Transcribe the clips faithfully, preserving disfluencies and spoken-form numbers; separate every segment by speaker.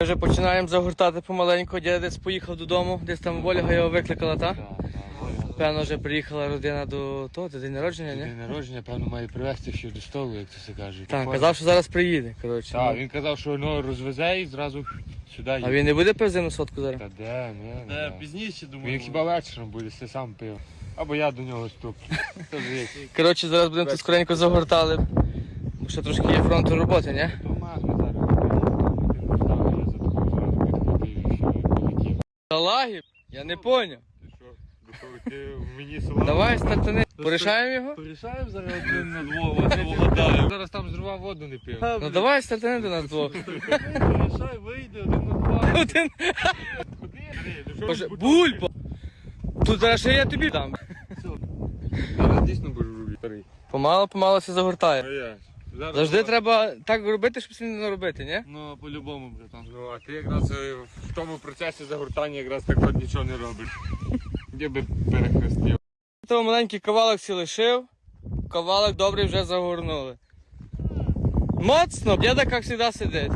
Speaker 1: Ми вже починаємо загортати помаленьку, дядя десь поїхав додому, десь там Ольга його викликала, так?
Speaker 2: Так, так, Ольга.
Speaker 1: Певно, вже приїхала родина до того, до день народження, ні?
Speaker 2: День народження, певно, має привезти ще до столу, як це все каже.
Speaker 1: Так, казав, що зараз приїде, коротше.
Speaker 2: Так,
Speaker 1: ну.
Speaker 2: він казав, що воно розвезе і зразу сюди їде.
Speaker 1: А він не буде пив зимну сотку зараз?
Speaker 2: Та де, ні, не
Speaker 3: Та
Speaker 2: де.
Speaker 3: пізніше, думаю.
Speaker 2: Він хіба вечором буде, все сам пив. Або я до нього ступлю. Хто ж
Speaker 1: Коротше, зараз будемо тут скоренько загортали. Бо ще трошки є фронту роботи, ні?
Speaker 2: То магне зараз. Він встав, я за тобою зразу підхватив і ще полетів.
Speaker 1: Талаги? Я не поняв.
Speaker 2: Ти що, до ти мені села?
Speaker 1: Давай, стартани. Порішаємо його?
Speaker 3: Порішаємо зараз один на двох, вас не вгадаємо.
Speaker 2: Зараз там зрував воду не пив.
Speaker 1: Ну давай, стартани до нас двох.
Speaker 3: Порішай, вийде один на два.
Speaker 1: Один.
Speaker 2: Ходи,
Speaker 1: Боже, бульба! Тут зараз ще я тобі дам.
Speaker 2: Зараз дійсно будеш робити. Старий.
Speaker 1: Помало, помало все загортає.
Speaker 2: А я. Зараз
Speaker 1: Завжди
Speaker 2: давай.
Speaker 1: треба так робити, щоб сильно не наробити, ні?
Speaker 3: Ну, по-любому, братан.
Speaker 2: Ну, а ти якраз е, в тому процесі загортання якраз так от нічого не робиш. Де би перехрестив.
Speaker 1: Того маленький кавалок сі лишив, кавалок добрий вже загорнули. Моцно, діда, як завжди, сидить.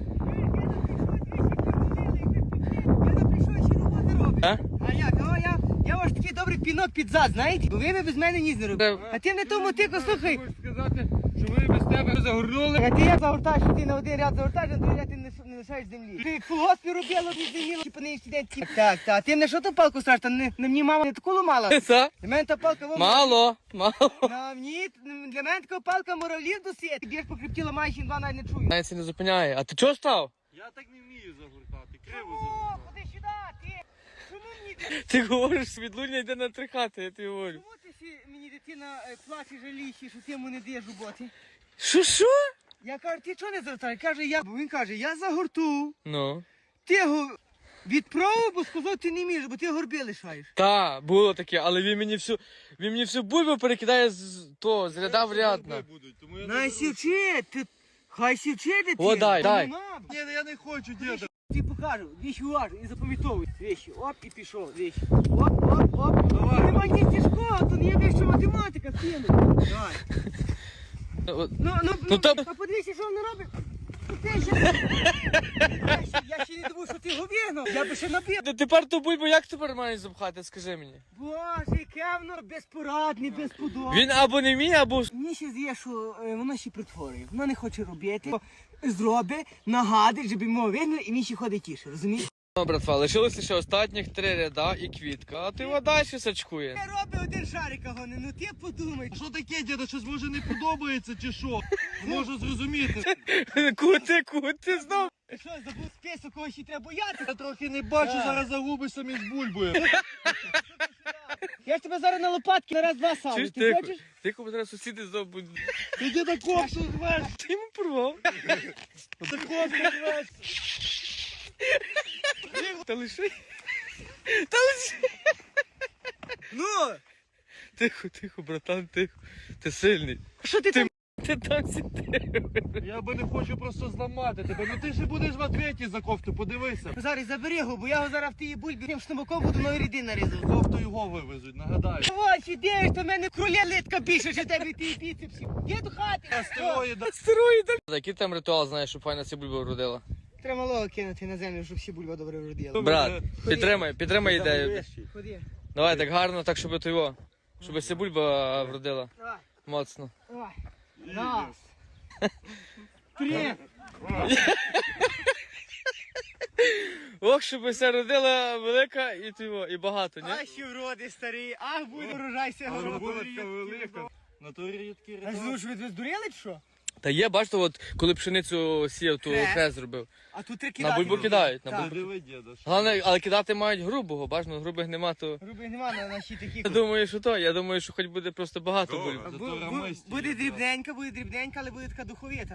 Speaker 4: Я прийшов ще роботи робить.
Speaker 1: А?
Speaker 4: А як? О, я, я ваш такий добрий пінок під зад, знаєте? Бо ви би без мене ніс не робили. А ти не тому тику, слухай.
Speaker 2: Хочу сказати, що ви без тебе загорнули.
Speaker 4: А ти як загортаєш, що ти на один ряд загортаєш, а на другий ряд ти не, не лишаєш землі. Ти як колгоспі робила, ти землі, по неї сидять. Так, так, так. Ти мене що ту палку страш? Та не, на мені мама не таку ламала.
Speaker 1: Це?
Speaker 4: Для мене та палка вона.
Speaker 1: Мало, мало.
Speaker 4: На мені, для мене така палка муравлів досить. Ти б'єш по хребті, ламаєш і два навіть не чую.
Speaker 1: Навіть це не зупиняє. А ти чого став?
Speaker 3: Я так не вмію загортати, криво
Speaker 4: О,
Speaker 3: загортати.
Speaker 4: ходи сюди, ти. Чому мені?
Speaker 1: Ти говориш, світлуня йде на три хати, я тобі говорю.
Speaker 4: Чому ти ще мені дитина е, плаче жаліще, що ти йому не даєш роботи?
Speaker 1: Що, що?
Speaker 4: Я кажу, ти чого не загортаєш? Каже, я. Бо він каже, я загорту.
Speaker 1: Ну.
Speaker 4: Ти його відправив, бо сказав, ти не вмієш, бо ти горби лишаєш.
Speaker 1: Та, було таке, але він мені всю, він мені всю бульбу перекидає з то, з ряда в ряд. на.
Speaker 3: Будуть, тому я не
Speaker 4: Най
Speaker 3: буду.
Speaker 4: сівчи, ти. Хай сівчи дитина.
Speaker 1: О, дай,
Speaker 4: Та
Speaker 1: дай.
Speaker 4: нема.
Speaker 3: Ні, я не хочу, діда.
Speaker 4: Ти покажу, вещи уважно і запам'ятовуй. Вещи, оп, і пішов, вещи. Оп, оп, оп.
Speaker 3: Давай.
Speaker 4: Нема ні тяжкого, то не є веща математика, сину. Давай.
Speaker 1: От,
Speaker 4: Ну, ну,
Speaker 1: Ну,
Speaker 4: ну,
Speaker 1: та-
Speaker 4: а подивися, що він робить. Ну, ти ще... я, ще, я ще не думав, що ти його вигнав. Я би ще набив.
Speaker 1: Та тепер ту бульбу як тепер маєш запхати, скажи мені.
Speaker 4: Боже, яке воно безпорадне, безподобне.
Speaker 1: Він або не вміє, або...
Speaker 4: Мені ще з'є, що е, воно ще притворює. Воно не хоче робити. Зробить, нагадить, щоб йому вигнали, і він ще ходить тіше, розумієш?
Speaker 1: Ну, братва, лишилося ще останніх три ряда і квітка, а ти його далі сачкує.
Speaker 4: Я роблю один шарик, а гони, ну ти подумай.
Speaker 3: А що таке, діда, щось може не подобається чи що? Не можу зрозуміти.
Speaker 1: Кути, кути, знов.
Speaker 4: Ти що, забув список, кого ще треба боятися?
Speaker 3: Я трохи не бачу,
Speaker 4: Так.
Speaker 3: зараз загубишся між бульбою.
Speaker 4: Я ж тебе зараз на лопатки на раз-два сам.
Speaker 1: Чуєш,
Speaker 4: Ти
Speaker 1: тихо,
Speaker 4: хочеш?
Speaker 1: тихо, бо зараз сусіди знов будуть.
Speaker 3: Ти діда кофту рвеш,
Speaker 1: Ти йому порвав.
Speaker 3: ти кофту рвеш.
Speaker 1: Та лиши. Та лиши.
Speaker 4: Ну,
Speaker 1: Тихо, тихо, братан, тихо. Ти сильний.
Speaker 4: що ти
Speaker 1: Ти-
Speaker 4: там?
Speaker 1: Ти там сиди.
Speaker 3: Я би не хочу просто зламати тебе. Ну ти ж будеш в ответі за кофту, подивися.
Speaker 4: Зараз забери його, бо я його зараз в тій бульбі тим штамаком буду нові ряди нарізати.
Speaker 3: Кофту його вивезуть, нагадаю.
Speaker 4: Ось, ідеш, то в мене кроля литка більше, що в тебе ті біцепсі. Є до хати.
Speaker 3: Астероїда.
Speaker 1: Стероїди. Який там ритуал знаєш, щоб файна ця бульба вродила?
Speaker 4: Треба малого кинути на землю, щоб всі бульба добре вродили.
Speaker 1: Брат, підтримай, підтримай ідею.
Speaker 4: Ходи.
Speaker 1: Давай так гарно, так, щоб то його. Щоб ця бульба вродила.
Speaker 4: Давай,
Speaker 1: Моцно.
Speaker 4: давай. Раз. Три.
Speaker 1: Ох, щоб вся родила велика і тиво, і багато, ні?
Speaker 4: Ах, ще вроди старий, ах, буде урожайся городу.
Speaker 3: Булочка велика. На то рідкі
Speaker 4: А
Speaker 3: рядки.
Speaker 4: ж ви здуріли чи що?
Speaker 1: Та є, бачите, от коли пшеницю сіяв, то
Speaker 4: Хрест.
Speaker 1: хрест зробив.
Speaker 4: А тут три
Speaker 1: На
Speaker 4: кидати.
Speaker 1: бульбу кидають, на
Speaker 4: Так.
Speaker 1: бульбу.
Speaker 3: Диви, діда. що-
Speaker 1: Головне, але кидати мають грубого, бачно, грубих нема, то...
Speaker 4: Грубих нема на нашій такі.
Speaker 1: Я думаю, що то, я думаю, що хоч буде просто багато
Speaker 3: Добре.
Speaker 1: бульб.
Speaker 3: Зато
Speaker 4: Бу- бу-
Speaker 3: рамисті
Speaker 4: Буде
Speaker 3: є,
Speaker 4: дрібненька, буде дрібненька, але буде така духовіта.